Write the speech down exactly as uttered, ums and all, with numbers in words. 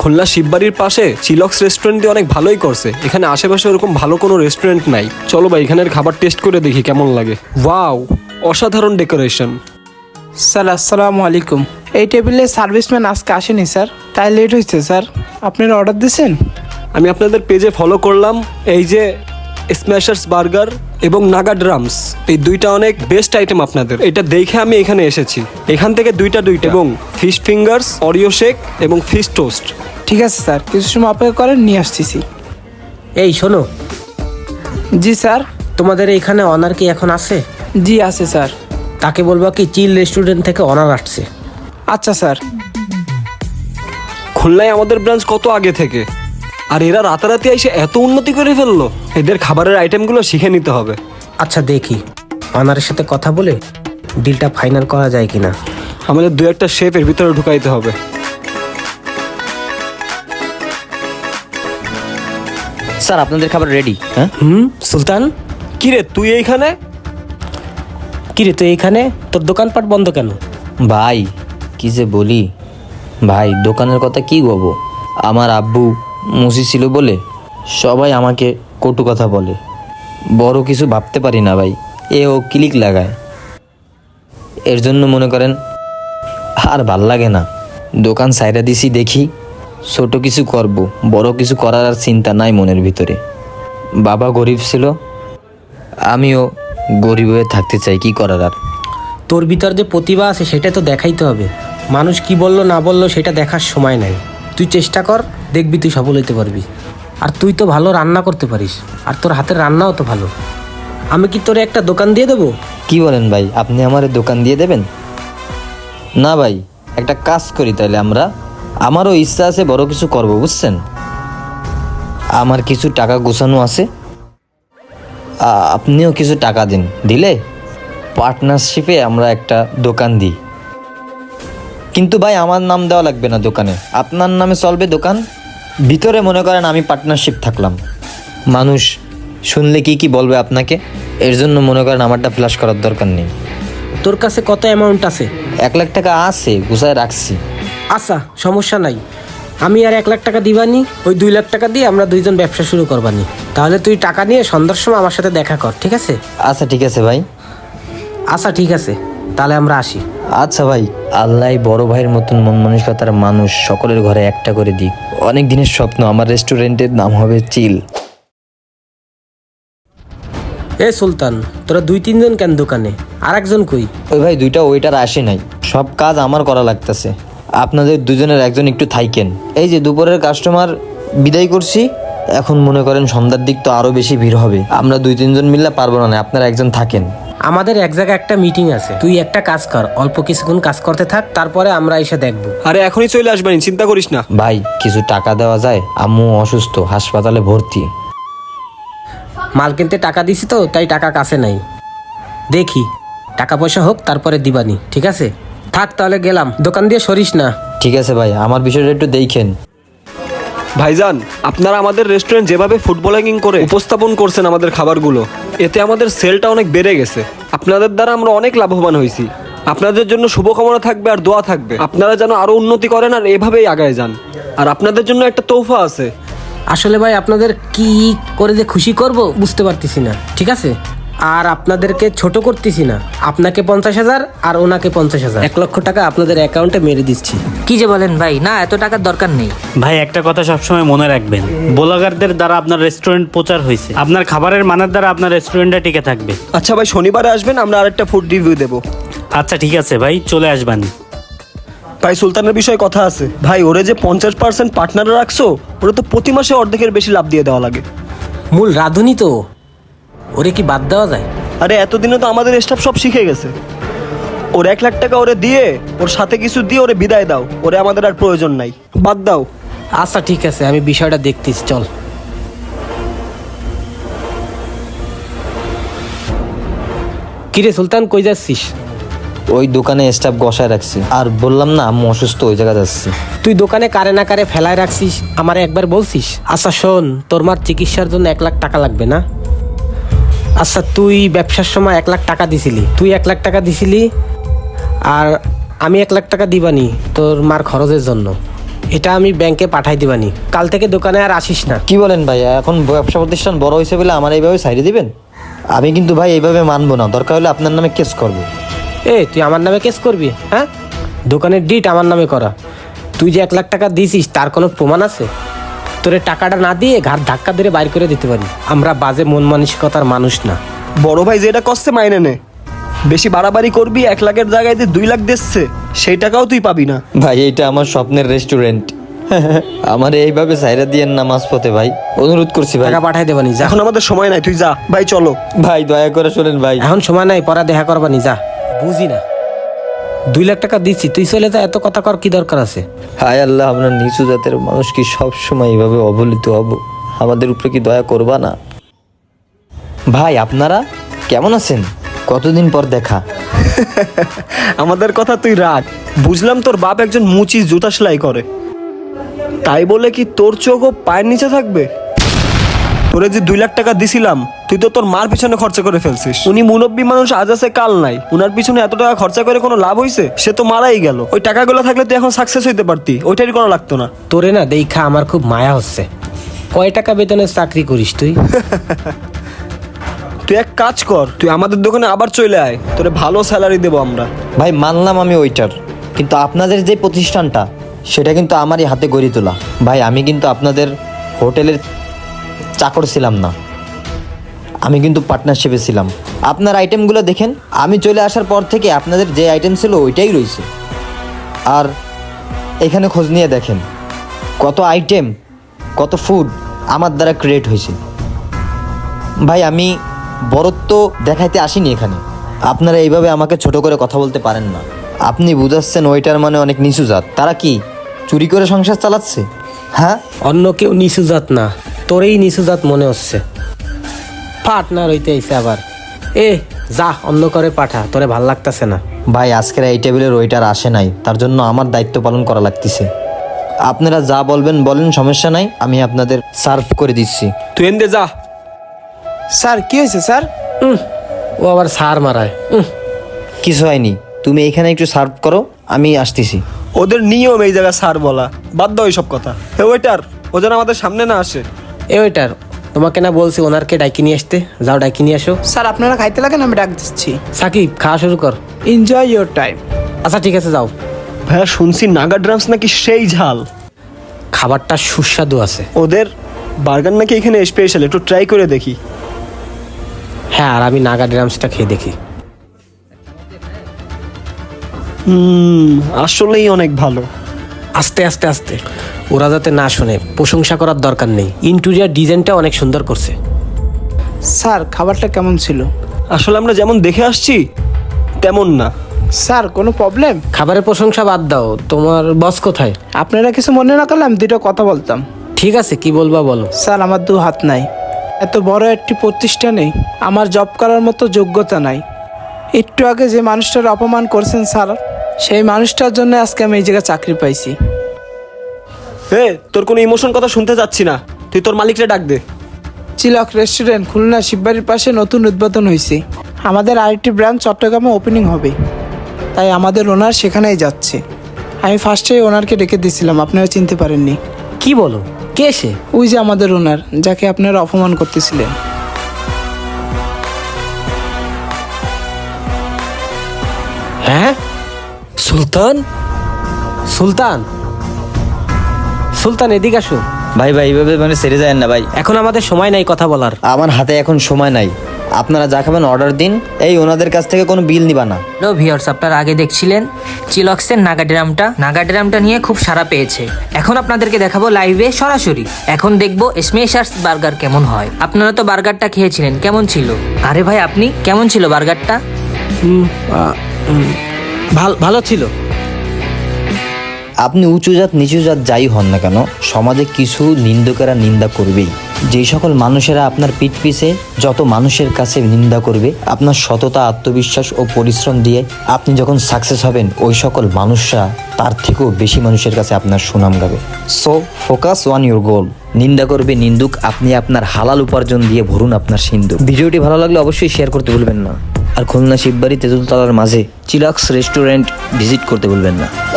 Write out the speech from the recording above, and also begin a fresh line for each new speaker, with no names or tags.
খুলনা শিববাড়ির পাশে Chillox restaurant দিয়ে অনেক ভালোই করছে। এখানে আশেপাশে ওরকম ভালো কোনো রেস্টুরেন্ট নাই। চলো ভাই এখানের খাবার টেস্ট করে দেখি কেমন লাগে। ওয়াও, অসাধারণ ডেকোরেশন।
স্যার আসসালামু আলাইকুম। এই টেবিলে সার্ভিসম্যান আজকে আসেনি স্যার, তাই লেট হয়েছে স্যার। আপনারা অর্ডার দিয়েছেন?
আমি আপনাদের পেজে ফলো করলাম। এই যে স্ম্যাশার্স বার্গার এবং নাগা ড্রামস, এই দুইটা অনেক বেস্ট আইটেম আপনাদের। এটা দেখে আমি এখানে এসেছি। এখান থেকে দুইটা দুইটা এবং ফিশ ফিঙ্গার্স, অরিও শেক এবং ফিশ টোস্ট।
ঠিক আছে স্যার, কিছু সময় অপেক্ষা করেন, নিয়ে আসতেছি।
এই শোনো,
জি স্যার।
তোমাদের এখানে অনার কি এখন আছে?
জি আছে স্যার।
তাকে বলবা কি চিল রেস্টুরেন্ট থেকে অনার আসছে।
আচ্ছা স্যার।
খুলনায় আমাদের ব্রাঞ্চ কত আগে থেকে, আর এরা রাতারাতি এসে এত উন্নতি করে ফেললো। এদের খাবারের আইটেমগুলো শিখে নিতে হবে।
আচ্ছা দেখি অনারের সাথে কথা বলে ডিলটা ফাইনাল করা যায় কিনা।
আমাদের দু একটা শেফ এর ভিতরে ঢুকাইতে হবে।
স্যার আপনাদের খাবার রেডি। হ্যাঁ
হুম সুলতান,
কি রে তুই এইখানে?
কি রে তুই এখানে? তোর দোকানপাট বন্ধ কেন?
ভাই কি যে বলি ভাই, দোকানের কথা কি বলবো। আমার আব্বু মুসি ছিল বলে সবাই আমাকে কটু কথা বলে। বড় কিছু ভাবতে পারি না ভাই, এ ও ক্লিক লাগায়। এর জন্য মনে করেন আর ভাল লাগে না। দোকান সাইডা দিছি, দেখি ছোট কিছু করব, বড় কিছু করার আর চিন্তা নাই মনের ভিতরে। বাবা গরিব ছিল, আমিও গরিব হয়ে থাকতে চাই, কি করার আর।
তোর ভিতর যে প্রতিভা আছে সেটা তো দেখাইতে হবে। মানুষ কি বললো না বললো সেটা দেখার সময় নাই। তুই চেষ্টা কর, দেখবি তুই সফল হইতে পারবি। আর তুই তো ভালো রান্না করতে পারিস, আর তোর হাতের রান্নাও তো ভালো। আমি কি তোরে একটা দোকান দিয়ে দেবো?
কি বলেন ভাই, আপনি আমার দোকান দিয়ে দেবেন? না ভাই, একটা কাজ করি তাহলে আমরা। আমারও ইচ্ছা আছে বড় কিছু করব, বুঝছেন। আমার কিছু টাকা গোছানো আছে, আ- আপনিও কিছু টাকা দিন, দিলে পার্টনারশিপে আমরা একটা দোকান দিই। কিন্তু ভাই আমার নাম দেওয়া লাগবে না দোকানে, আপনার নামে চলবে দোকান। ভিতরে মনে করেন আমি পার্টনারশিপ থাকলাম, মানুষ শুনলে কি কি বলবে আপনাকে, এর জন্য মনে করেন আমারটা ফ্ল্যাশ করার দরকার নেই।
তোর কাছে কত অ্যামাউন্ট আছে?
এক লাখ টাকা আছে, গুছায় রাখছি।
আচ্ছা সমস্যা নাই, আমি আর এক লাখ টাকা দিবানি, ওই দুই লাখ টাকা দিয়ে আমরা দুইজন ব্যবসা শুরু করবানি। তাহলে তুই টাকা নিয়ে সন্ধ্যার সময় আমার সাথে দেখা কর, ঠিক আছে?
আচ্ছা ঠিক আছে ভাই।
আচ্ছা ঠিক আছে, তাহলে আমরা আসি।
আচ্ছা ভাই, আল্লাহ বড় ভাইয়ের মতন মন মানসিকতার মানুষ সকলের ঘরে একটা করে দিক। অনেক দিনের স্বপ্ন, আমার রেস্টুরেন্টের নাম হবে চিল।
এ সুলতান, তোরা দুই তিনজন কেন দোকানে? আর একজন কই?
ওই ভাই দুইটা ওইটার আসে নাই, সব কাজ আমার করা লাগতেছে। আপনাদের দুজনের একজন একটু থাইকেন। এই যে দুপুরের কাস্টমার বিদায় করছি, এখন মনে করেন সন্ধ্যার দিক তো আরো বেশি ভিড় হবে। আমরা দুই তিনজন মিললে পারবো না, আপনারা একজন থাকেন।
আমাদের এক জায়গায় একটা মিটিং আছে, তুই একটা কাজ কর, অল্প কিছুক্ষণ কাজ করতে থাক, তারপরে আমরা এসে দেখবো।
আরে এখনই চলে আসবেন, চিন্তা করিস না।
ভাই কিছু টাকা দেওয়া যায়? আম্মু অসুস্থ, হাসপাতালে ভর্তি।
মাল কিনতে টাকা দিছি তো, তাই টাকা কাছে নাই। দেখি টাকা পয়সা হোক তারপরে দিবানি, ঠিক আছে? থাক তাহলে গেলাম, দোকান দিয়ে সরিস না।
ঠিক আছে ভাই, আমার বিষয়টা একটু দেখেন।
ভাইজান, আপনারা আমাদের রেস্টুরেন্ট যেভাবে ফুটবলিং করে উপস্থাপন করছেন আমাদের খাবারগুলো, এতে আমাদের সেলটা অনেক বেড়ে গেছে। আপনাদের দ্বারা আমরা অনেক লাভবান হয়েছি। আপনাদের জন্য শুভকামনা থাকবে আর দোয়া থাকবে, আপনারা যেন আরো উন্নতি করেন আর এভাবেই আগায় যান। আর আপনাদের জন্য একটা তোহফা আছে।
আসলে ভাই আপনাদের কি করে যে খুশি করব বুঝতে পারতেছি না, ঠিক আছে? আর আপনাদেরকে ছোট করতেছি না। আপনাকে পঞ্চাশ হাজার আর ওনাকে পঞ্চাশ হাজার, এক লক্ষ টাকা আপনাদের অ্যাকাউন্টে মেরে দিচ্ছি।
কি যে বলেন ভাই, না এত টাকার দরকার নেই।
ভাই একটা কথা সবসময় মনে রাখবেন, ব্লগারদের দ্বারা আপনার রেস্টুরেন্ট প্রচার হয়েছে, আপনার খাবারের মানের দ্বারা আপনার রেস্টুরেন্টটা টিকে থাকবে।
আচ্ছা ভাই, শনিবারে আসবেন, আমরা আরেকটা ফুড রিভিউ দেবো।
আচ্ছা ঠিক আছে ভাই, চলে আসবেন।
ভাই সুলতানের বিষয়ে কথা আছে। ভাই ওরে যে পঞ্চাশ পার্সেন্ট পার্টনারে রাখছো, ওরা তো প্রতি মাসে অর্ধেকের বেশি লাভ দিয়ে দেওয়া লাগে।
মূল রাঁধুনি তো, ওরে কি বাদ দেওয়া যায়?
আরে এতদিনে তো আমাদের স্টাফ সব শিখে গেছে। ওর এক লাখ টাকা ওরে দিয়ে, ওর সাথে কিছু দিয়ে ওরে বিদায় দাও, ওরে আমাদের আর প্রয়োজন নাই, বাদ দাও।
আচ্ছা ঠিক আছে, আমি বিষয়টা দেখতেছি, চল। কিরে সুলতান, কই যাচ্ছিস?
ওই দোকানে স্টাফ বসায় রাখছি, আর বললাম না আম্মু অসুস্থ, ওই জায়গা যাচ্ছি।
তুই দোকানে কারে না কারে ফেলায় রাখছিস, আমারে একবার বলছিস? আচ্ছা শোন, তোর মার চিকিৎসার জন্য এক লাখ টাকা লাগবে না? আচ্ছা তুই ব্যবসার সময় এক লাখ টাকা দিছিলি, তুই এক লাখ টাকা দিছিলি আর আমি এক লাখ টাকা দিবানি তোর মার খরচের জন্য। এটা আমি ব্যাংকে পাঠাই দিবানি, কাল থেকে দোকানে আর আসিস না।
কি বলেন ভাই, এখন ব্যবসা প্রতিষ্ঠান বড় হয়েছে বলে আমার এইভাবে সাইডে দিবেন? আমি কিন্তু ভাই এইভাবে মানবো না, দরকার হলে আপনার নামে কেস করবো।
এ তুই আমার নামে কেস করবি? হ্যাঁ, দোকানের ডিট আমার নামে করা। তুই যে এক লাখ টাকা দিছিস তার কোনো প্রমাণ আছে? তোরে টাকাটা না দিয়ে ঘাট ধাক্কা ধরে বাইর করে দিতে পারি। আমরা বাজে মন মানসিকতার মানুষ না।
বড় ভাই যেটা কষ্টে মাইনে নে, বেশি বাড়াবাড়ি করবি, এক লাখের জায়গায় যে দুই লাখ দিচ্ছে সেই টাকাও তুই পাবি না।
ভাই এইটা আমার স্বপ্নের রেস্টুরেন্ট, আমার এইভাবে সাইরা দিয়েন না মাঝপথে ভাই, অনুরোধ করছি ভাই।
টাকা পাঠাই দেবানি, যা।
এখন আমাদের সময় নাই, তুই যা ভাই, চলো।
ভাই দয়া করে শোনেন ভাই।
এখন সময় নাই, পরে দেখা করবানি, যা। বুঝি না, দুই লাখ টাকা দিচ্ছি, তুই চলে যা, এত কথা কর কি দরকার আছে?
হায় আল্লাহ, আমরা নিচু জাতের মানুষ কি সব সময় এইভাবে অবহেলিত হব? আমাদের উপরে কি দয়া করবা না? ভাই আপনারা কেমন আছেন? কতদিন পর দেখা।
আমাদের কথা তুই রাখ, বুঝলাম তোর বাপ একজন মুচি জুতা সেলাই করে, তাই বলে কি তোর চোখও পায়ের নিচে থাকবে? তোরে যে দুই লাখ টাকা দিছিলাম, তুই তো তোর মার পিছনে খরচা করে ফেলছিস। উনি মুরব্বী মানুষ, আজ আছে কাল নাই, উনার পিছনে এত টাকা খরচা করে কোনো লাভ হইছে? সে তো মারাই গেল। ওই টাকাগুলো থাকলে তুই এখন সাকসেস হইতে পারতি, ওইটারই কোনো লাগতো না।
তোরে না দেখা আমার খুব মায়া হচ্ছে। কয় টাকা বেতনের চাকরি করিস তুই?
তুই এক কাজ কর, তুই আমাদের দোকানে আবার চলে আয়, তোরে ভালো স্যালারি দেবো আমরা।
ভাই মানলাম আমি ওইটার, কিন্তু আপনাদের যে প্রতিষ্ঠানটা সেটা কিন্তু আমারই হাতে গড়ে তোলা। ভাই আমি কিন্তু আপনাদের হোটেলের চাকর ছিলাম না, আমি কিন্তু পার্টনারশিপে ছিলাম। আপনার আইটেমগুলো দেখেন, আমি চলে আসার পর থেকে আপনাদের যে আইটেম ছিল ওইটাই রয়েছে। আর এখানে খোঁজ নিয়ে দেখেন কত আইটেম, কত ফুড আমার দ্বারা ক্রিয়েট হয়েছে। ভাই আমি বরত্ব দেখাইতে আসিনি এখানে, আপনারা এইভাবে আমাকে ছোট করে কথা বলতে পারেন না। আপনি বুঝাচ্ছেন ওইটার মানে অনেক নিচু জাত, তারা কি চুরি করে সংসার চালাচ্ছে? হ্যাঁ,
অন্য কেউ নিচু জাত না, তোরেই নিচু জাত মনে হচ্ছে। পার্টনার হইতে আইছে আবার। এ যা, অন্য করে পাঠা, তোরে ভাল লাগতেছে না।
ভাই আজকের এই টেবিলের ওইটার আসে নাই, তার জন্য আমার দায়িত্ব পালন করা লাগতেছে। আপনারা যা বলবেন বলেন, সমস্যা নাই, আমি আপনাদের সার্ভ করে দিচ্ছি।
তুই এনে যা।
স্যার কি হয়েছে স্যার?
উম, ও আবার সার মারায়। উম,
কিছু হয়নি, তুমি এখানে একটু সার্ভ করো, আমি আসতেছি।
ওদের নিয়ম এই জায়গায় স্যার বলা, বাদ দাও এইসব কথা। হে ওয়েটার, ও যেন আমাদের সামনে না আসে।
এ ওইটার, তোমাকে না বলছি ওনারকে ডাকি নিয়ে আসতে? যাও ডাকি নিয়ে আসো।
স্যার আপনারা খাইতে লাগেন, আমি ডাক দিচ্ছি।
সাকিব খাওয়া শুরু কর।
Enjoy your time.
আচ্ছা ঠিক আছে, যাও।
ভাইয়া শুনছি নাগা ড্রামস নাকি সেই ঝাল,
খাবারটা সুস্বাদু আছে।
ওদের বার্গার নাকি এখানে স্পেশাল, একটু ট্রাই করে দেখি।
হ্যাঁ, আর আমি নাগা ড্রামসটা খেয়ে দেখি।
হুম, আসলেই অনেক ভালো।
আস্তে আস্তে আস্তে, ওরা যাতে না শোনে, প্রশংসা করার দরকার নেই। ইন্টেরিয়ার ডিজাইনটা অনেক সুন্দর করছে।
স্যার খাবারটা কেমন ছিল?
আসলে আমরা যেমন দেখে আসছি তেমন না।
স্যার কোনো প্রবলেম?
খাবারের প্রশংসা বাদ দাও, তোমার বস কোথায়?
আপনারা কিছু মনে না করলে আমি দুটো কথা বলতাম।
ঠিক আছে, কি বলবা বলো।
স্যার আমার দু হাত নাই, এত বড় একটি প্রতিষ্ঠানে আমার জব করার মতো যোগ্যতা নাই। একটু আগে যে মানুষটার অপমান করছেন স্যার, সেই মানুষটার জন্য আজকে আমি এই জায়গায় চাকরি পাইছি।
হে, তোর কোনো ইমোশন কথা শুনতে যাচ্ছি না, তুই তোর মালিকরে ডাক দে।
চিলক রেস্টুরেন্ট খুলনা শিববাড়ির পাশে নতুন উদ্বোধন হয়েছে। আমাদের আরেকটি ব্রাঞ্চ চট্টগ্রামে ওপেনিং হবে, তাই আমাদের ওনার সেখানেই যাচ্ছে। আমি ফার্স্টে ওনারকে ডেকে দিয়েছিলাম, আপনারা চিনতে পারেননি।
কি বলো, কে সে?
ওই যে আমাদের ওনার, যাকে আপনারা অপমান করতেছিলেন।
হ্যাঁ, সুলতান। সুলতান, সুলতান এদিকে আসো।
ভাই ভাই এইভাবে মানে ছেড়ে যায় না ভাই,
এখন আমাদের সময় নাই কথা বলার।
আমার হাতে এখন সময় নাই। আপনারা যা খাবেন অর্ডার দিন, এই ওনাদের কাছ থেকে কোনো বিল নিবা না।
হ্যালো ভিউয়ার্স, আপনারা আগে দেখছিলেন চিলক্সের নাগা ড্রামটা। নাগা ড্রামটা নিয়ে খুব সাড়া পেয়েছে। এখন আপনাদেরকে দেখাবো লাইভে সরাসরি। এখন দেখবো স্মেশার্স বার্গার কেমন হয়। আপনারা তো বার্গারটা খেয়েছিলেন, কেমন ছিল? আরে ভাই আপনি কেমন ছিল বার্গারটা?
ভালো ভালো ছিল।
আপনি উঁচু জাত নিচু জাত যাই হন না কেন, সমাজে কিছু নিন্দুকেরা নিন্দা করবেই। যেই সকল মানুষেরা আপনার পিঠ পিছে যত মানুষের কাছে নিন্দা করবে, আপনার সততা, আত্মবিশ্বাস ও পরিশ্রম দিয়ে আপনি যখন সাকসেস হবেন, ওই সকল মানুষরা তার থেকেও বেশি মানুষের কাছে আপনার সুনাম গাবে। So focus on your goal. নিন্দা করবে নিন্দুক, আপনি আপনার হালাল উপার্জন দিয়ে ভরুন আপনার সিন্ধুক। ভিডিওটি ভালো লাগলে অবশ্যই শেয়ার করতে ভুলবেন না, আর খুলনা শিববাড়ি তেঁতুলতলার মাঝে চিলাক্স রেস্টুরেন্ট ভিজিট করতে ভুলবেন না।